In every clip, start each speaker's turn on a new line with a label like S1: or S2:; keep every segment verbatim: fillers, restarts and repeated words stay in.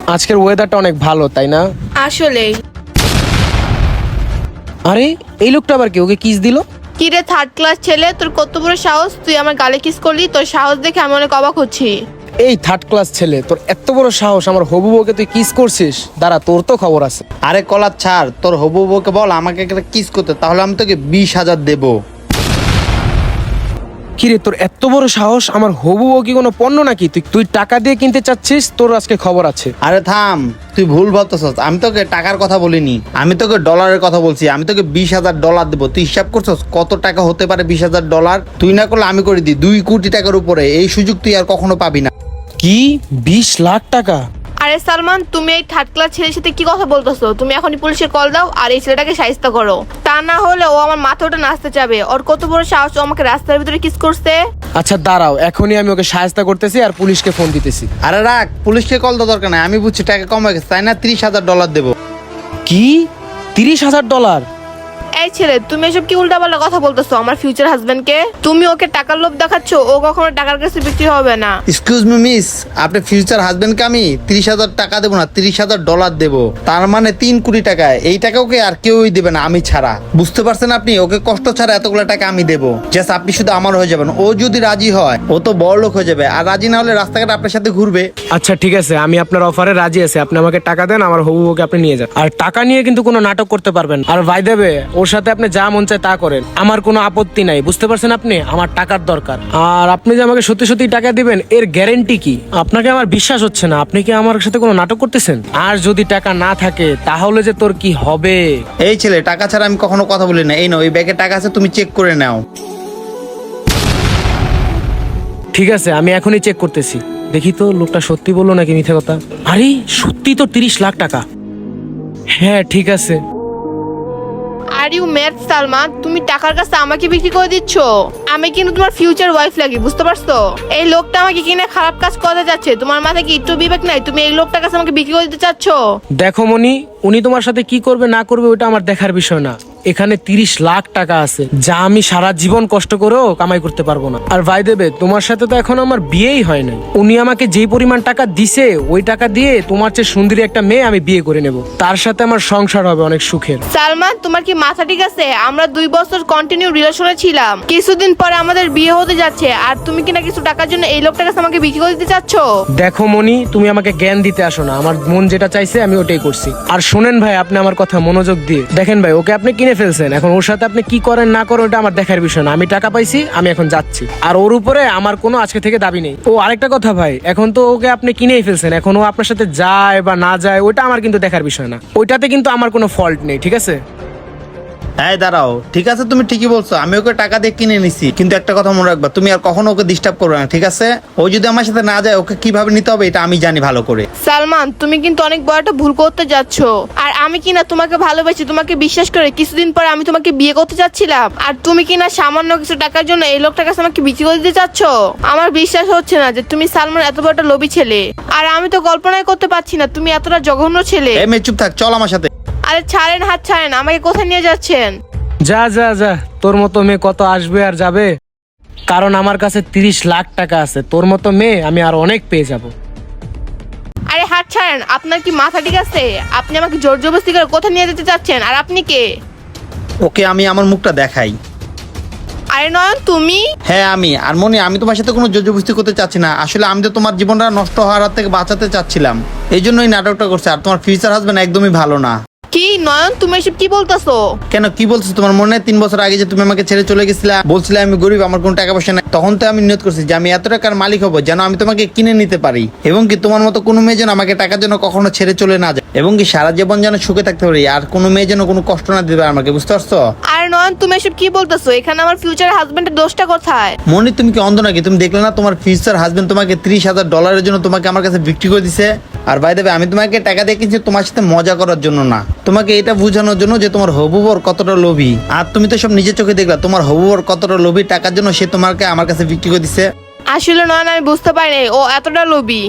S1: আজকের ওয়েদারটা অনেক ভালো, তাই না?
S2: আসলে
S1: আরে এই লোকটা আবার কি? ওকে কিস দিল?
S2: কি রে থার্ড ক্লাস ছেলে, তোর কত বড় সাহস, তুই আমার গালে কিস করলি? তোর সাহস দেখে আমি অনেক অবাক হচ্ছি।
S1: এই থার্ড ক্লাস ছেলে, তোর এত বড় সাহস আমার হবু বউকে তুই কিস করছিস? দাঁড়া, তোর তো খবর আছে।
S3: আরে কলার ছাড়, তোর হবু বউকে বল আমাকে একটা কিস করতে, তাহলে আমি তোকে বিশ হাজার দেবো।
S1: কিরে, তোর এত বড় সাহস? আমার হবু বউ কি কোনো পণ্য নাকি? তুই তুই টাকা দিয়ে কিনতে চাচ্ছিস? তোর আজকে খবর আছে।
S3: আরে থাম, তুই ভুল ভাবতেছস। আমি তোকে টাকার কথা বলিনি, আমি তোকে ডলারের কথা বলছি। আমি তোকে বিশ হাজার ডলার দেবো। তুই হিসাব করছস কত টাকা হতে পারে বিশ হাজার ডলার? তুই না করলে আমি করে দিই দুই কোটি টাকার উপরে। এই সুযোগ তুই আর কখনো পাবি না।
S1: কি বিশ লাখ টাকা?
S2: আরে সালমান, তুমি এই থার্ড ক্লাস ছেলের সাথে কি কথা বলতেছো? তুমি এখনই পুলিশে কল দাও আর এই ছেলেটাকে শায়েস্তা করো। তা না হলে ও আমার মাথাটা নাচতে যাবে। ওর কত বড় সাহস, ও আমাকে রাস্তার ভিতরে কিস করছে।
S1: আচ্ছা দাঁড়াও, এখনই আমি ওকে সাহায্য করতেছি আর পুলিশকে ফোন দিতেছি।
S3: আরে রাখ, পুলিশকে কল দেওয়ার দরকার নাই। আমি বুঝছি টাকা কম হয়ে গেছে, তাই না? ত্রিশ হাজার ডলার দেবো।
S1: কি তিরিশ হাজার ডলার?
S2: এই ছেলে, তুমি এসব কি উল্টাপাল্টা কথা বলতেছো আমার ফিউচার হাজবেন্ডকে? তুমি ওকে টাকার লোভ দেখাচ্ছ, ও কখনো টাকার কাছে বিক্রি হবে না।
S3: এক্সকিউজ মি মিস, আপনার ফিউচার হাজবেন্ডকে আমি তিরিশ হাজার টাকা দেবো না, তিরিশ হাজার ডলার দেবো। তার মানে তিন কোটি টাকা। এই টাকা ওকে আর কেউই দেবে না, আমি ছাড়া। বুঝতে পারছেন আপনি? ওকে কষ্ট ছাড়া এতগুলো টাকা আমি দেবো। জাস্ট আপনি শুধু আমার হয়ে যাবেন। ও যদি রাজি হয়, ও তো বড় লোক হয়ে যাবে। আর রাজি না হলে রাস্তাঘাটে আপনার সাথে ঘুরবে।
S1: আচ্ছা ঠিক আছে, আমি আপনার অফারে রাজি আছি। আপনি আমাকে টাকা দেন, আমার হবু বউকে আপনি নিয়ে যান। আর টাকা নিয়ে কিন্তু কোনো নাটক করতে পারবেন। আর ভাই দেবে, ওর সাথে আপনি যা মন চায় তা করেন, আমার কোনো আপত্তি নাই। বুঝতে পারছেন আপনি? আমার টাকার দরকার। আর আপনি যে আমাকে সত্যি সত্যি টাকা দিবেন, এর গ্যারেন্টি কি? আপনাকে আমার বিশ্বাস হচ্ছে না। আপনি কি আমার সাথে কোনো নাটক করতেছেন? আর যদি টাকা না থাকে তাহলে যে তোর কি হবে?
S3: এই ছেলে, টাকা ছাড়া আমি কখনো কথা বলি না। এই নাও, এই ব্যাগে টাকা আছে, তুমি চেক করে নাও।
S1: ঠিক আছে, আমি এখনই চেক করতেছি। দেখি তো লোকটা সত্যি বললো নাকি মিথ্যে কথা। আরে সত্যি তো তিরিশ লাখ টাকা। হ্যাঁ ঠিক আছে।
S2: আর ইউ ম্যাড সালমান, তুমি টাকার কাছে আমাকে বিক্রি করে দিচ্ছ? আমি কিন্তু তোমার ফিউচার ওয়াইফ লাগি, বুঝতে পারছো? এই লোকটা আমাকে কিনে খারাপ কাজ করতে যাচ্ছে। তোমার মাথায় কি একটু বিবেক নাই? তুমি এই লোকটার কাছে আমাকে বিক্রি করে দিতে চাচ্ছ?
S1: দেখো মনি, উনি তোমার সাথে কি করবে না করবে ওটা আমার দেখার বিষয় না। এখানে তিরিশ লাখ টাকা আছে, যা আমি সারা জীবন কষ্ট করেও কামাই করতে পারবো না। আর ভাই দেবে, তোমার সাথে তো এখন আমার বিয়েই হয় নাই। উনি আমাকে যেই পরিমাণ টাকা দিছে, ওই টাকা দিয়ে তোমার চেয়ে সুন্দরী একটা মেয়ে আমি বিয়ে করে নেব। তার সাথে আমার সংসার হবে অনেক সুখের।
S2: সালমান, তোমার কি মাথা ঠিক আছে? আমরা দুই বছর কন্টিনিউ রিলেশনে ছিলাম, কিছুদিন পরে আমাদের বিয়ে হতে যাচ্ছে, আর তুমি কিনা কিছু টাকার জন্য এই লোকটার কাছে আমাকে বিক্রি করে দিতে চাচ্ছ?
S1: দেখো মনি, তুমি আমাকে জ্ঞান দিতে আসো না। আমার মন যেটা চাইছে আমি ওটাই করছি। আর শোনেন ভাই, আপনি আমার কথা মনোযোগ দিয়ে দেখেন ভাই, ওকে আপনি কিনে ফেলছেন। এখন ওর সাথে আপনি কি করেন না করেন ওটা আমার দেখার বিষয় না। আমি টাকা পাইছি, আমি এখন যাচ্ছি। আর ওর উপরে আমার কোনো আজকে থেকে দাবি নেই। ও আরেকটা কথা ভাই, এখন তো ওকে আপনি কিনেই ফেলছেন। এখন ও আপনার সাথে যায় বা না যায় ওটা আমার কিন্তু দেখার বিষয় না। ওইটাতে কিন্তু আমার কোনো ফল্ট নেই, ঠিক আছে?
S3: হ্যাঁ দাঁড়াও, ঠিক আছে, তুমি ঠিকই বলছো। আমি ওকে টাকা দিয়ে কিনে নিছি, কিন্তু একটা কথা মনে রাখবা, তুমি আর কখনো ওকে ডিস্টার্ব করবে না, ঠিক আছে? ও যদি আমার সাথে না যায়, ওকে কিভাবে নিতে হবে এটা আমি জানি ভালো করে।
S2: সালমান, তুমি কিন্তু অনেক বড় একটা ভুল করতে যাচ্ছ। আর আমি কিনা তোমাকে ভালোবাসি, তোমাকে বিশ্বাস করে কিছুদিন পরে আমি তোমাকে বিয়ে করতে চাচ্ছিলাম, আর তুমি কিনা সামান্য কিছু টাকার জন্য এই লোকটার কাছে আমাকে বিক্রি করে দিতে চাচ্ছ? আমার বিশ্বাস হচ্ছে না যে তুমি সালমান এত বড় একটা লোভী ছেলে। আর আমি তো কল্পনাই করতে পারছি না তুমি এতটা জঘন্য ছেলে।
S3: এই মেয়ে চুপ থাক, চল আমার সাথে।
S2: আরে ছাড়েন, হাত ছাড়েন, আমাকে কোথায় নিয়ে যাচ্ছেন?
S1: যা যা যা, তোর মতো মেয়ে কত আসবে আর যাবে। কারণ আমার কাছে তিরিশ লাখ টাকা আছে। তোর মতো মেয়ে আমি আর অনেক পেয়ে যাব।
S2: আরে হাত ছাড়েন, আপনার কি মাথা ঠিক আছে? আপনি আমাকে জোর জবরদস্তি করে কোথায় নিয়ে যেতে চাচ্ছেন? আর আপনি কে?
S3: ওকে আমি আমার মুখটা দেখাই।
S2: আরে নয়ন, তুমি?
S3: হ্যাঁ আমি। আর মনি, আমি তোমার সাথে কোনো জবরদস্তি করতে চাচ্ছি না। আসলে আমি তো তোমার জীবনটা নষ্ট হওয়ার হাত থেকে বাঁচাতে চাচ্ছিলাম, এই জন্যই নাটকটা করছে। আর তোমার ফিউচার হাজবেন্ড একদমই ভালো না।
S2: কি নয়ন, তুমি এসব কি বলতেছো?
S3: কেন, কি বলছো? তোমার মনে নেই তিন বছর আগে যে তুমি আমাকে ছেড়ে চলে গেছিলা? বলছিলে আমি গরিব, আমার কোনো টাকা পয়সা নাই। তখন তো আমি নিয়ত করছি যে আমি এত টাকার মালিক হবো যেন আমি তোমাকে কিনে নিতে পারি, এবং কি তোমার মতো কোনো মেয়ে যেন আমাকে টাকার জন্য কখনো ছেড়ে চলে না যায়, এবং কি সারা জীবন যেন সুখে থাকতে পারি, আর কোনো মেয়ে যেন কোনো কষ্ট না দিতে পারে আমাকে। বুঝতে পারছো?
S2: আরে নয়ন, তুমি এসব কি বলতেছো? এখানে আমার ফিউচার হাজবেন্ডের দোষটা কোথায়?
S3: মনি, তুমি কি অন্ধ নাকি? তুমি দেখলে না তোমার ফিউচার হাজবেন্ড তোমাকে ত্রিশ হাজার ডলারের জন্য তোমাকে আমার কাছে বিক্রি করে দিছে। আর বাই দ্য ওয়ে, আমি তোমাকে টাকা দিয়ে কিনছি তোমার সাথে মজা করার জন্য না, তোমাকে এটা বোঝানোর জন্য যে তোমার হবু বর কতটা লোভী। আর তুমি তো সব নিজের চোখে দেখলা, তোমার হবু বর কতটা লোভী। টাকার জন্য সে তোমাকে আমার কাছে বিক্রি করে দিছে।
S2: আসলে নয়ন, আমি বুঝতে পারিনি ও এতটা লোভী।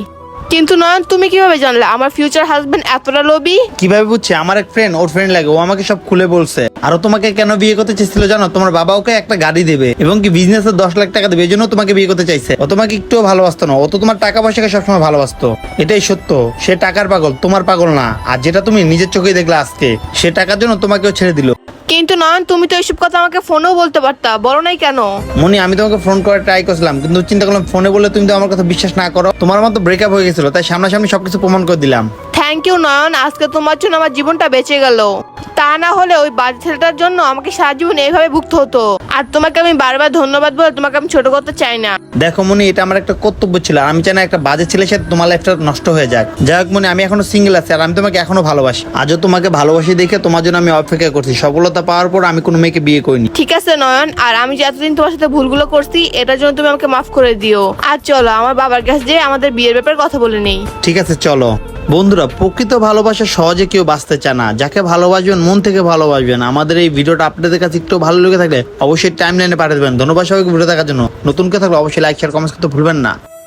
S2: কিন্তু নয়ন তুমি কিভাবে জানলে আমার ফিউচার হাজবেন্ড এতটা লোভী?
S3: কিভাবে বুঝছে? আমার এক ফ্রেন্ড, ওর ফ্রেন্ড লাগে, ও আমাকে সব খুলে বলছে। আর ও তোমাকে কেন বিয়ে করতে চেয়েছিল জানো? তোমার বাবা ওকে একটা গাড়ি দেবে এবং কি বিজনেসের দশ লাখ টাকা দেবে, এই জন্য তোমাকে বিয়ে করতে চাইছে। ও তোমাকে একটুও ভালোবাসতো না, ও তো তোমার টাকা পয়সাকে সবসময় ভালোবাসতো। এটাই সত্য, সে টাকার পাগল, তোমার পাগল না। আর যেটা তুমি নিজের চোখেই দেখলে আজকে, সে টাকার জন্য তোমাকেও ছেড়ে দিল।
S2: কিন্তু নয়ন তুমি তো এইসব কথা আমাকে ফোনেও বলতে পারতা, বলো নাই কেন?
S3: মনি, আমি তোমাকে ফোন করে ট্রাই করছিলাম, কিন্তু চিন্তা করলাম ফোনে বললে তুমি তো আমার কথা বিশ্বাস না করো। তোমার মতো ব্রেকআপ হয়ে গেছিল, তাই সামনাসামনি সবকিছু প্রমাণ করে দিলাম।
S2: থ্যাংক ইউ নয়ন, আজকে তোমার জন্য আমার জীবনটা বেঁচে গেল। তা না হলে ওই বাজে ছেলেটার জন্য আমাকে সারা জীবন এইভাবে ভুগতে হতো। আর তোমাকে আমি বারবার ধন্যবাদ বলে তোমাকে আমি ছোট করতে চাই না।
S3: দেখো মনি, এটা আমার একটা কর্তব্য ছিল, আর আমি চাই না একটা বাজে ছেলের সাথে তোমার লাইফটা নষ্ট হয়ে যাক। যাই হোক মনি, আমি এখনো সিঙ্গেল আছি, আর আমি তোমাকে এখনো ভালোবাসি। আজও তোমাকে ভালোবাসি দেখে তোমার জন্য আমি অপেক্ষা করছি। সফলতা পাওয়ার পর আমি কোনো মেয়েকে বিয়ে করিনি।
S2: ঠিক আছে নয়ন, আর আমি যে এতদিন তোমার সাথে ভুলগুলো করছি এটার জন্য তুমি আমাকে মাফ করে দিও। আর চলো আমার বাবার কাছে যেয়ে আমাদের বিয়ের ব্যাপারে কথা বলে নেই।
S3: ঠিক আছে চলো। বন্ধুরা, প্রকৃত ভালোবাসা সহজে কেউ বাঁচতে চায় না। যাকে ভালোবাসবেন মন থেকে ভালোবাসবেন। আমাদের এই ভিডিওটা আপনাদের কাছে একটু ভালো লেগে থাকলে অবশ্যই টাইম লাইনে পাঠিয়ে দেবেন। ধন্যবাদ সবাইকে ভিডিও দেখার জন্য। নতুন কেউ থাকলে অবশ্যই লাইক শেয়ার কমেন্ট করতে ভুলবেন না।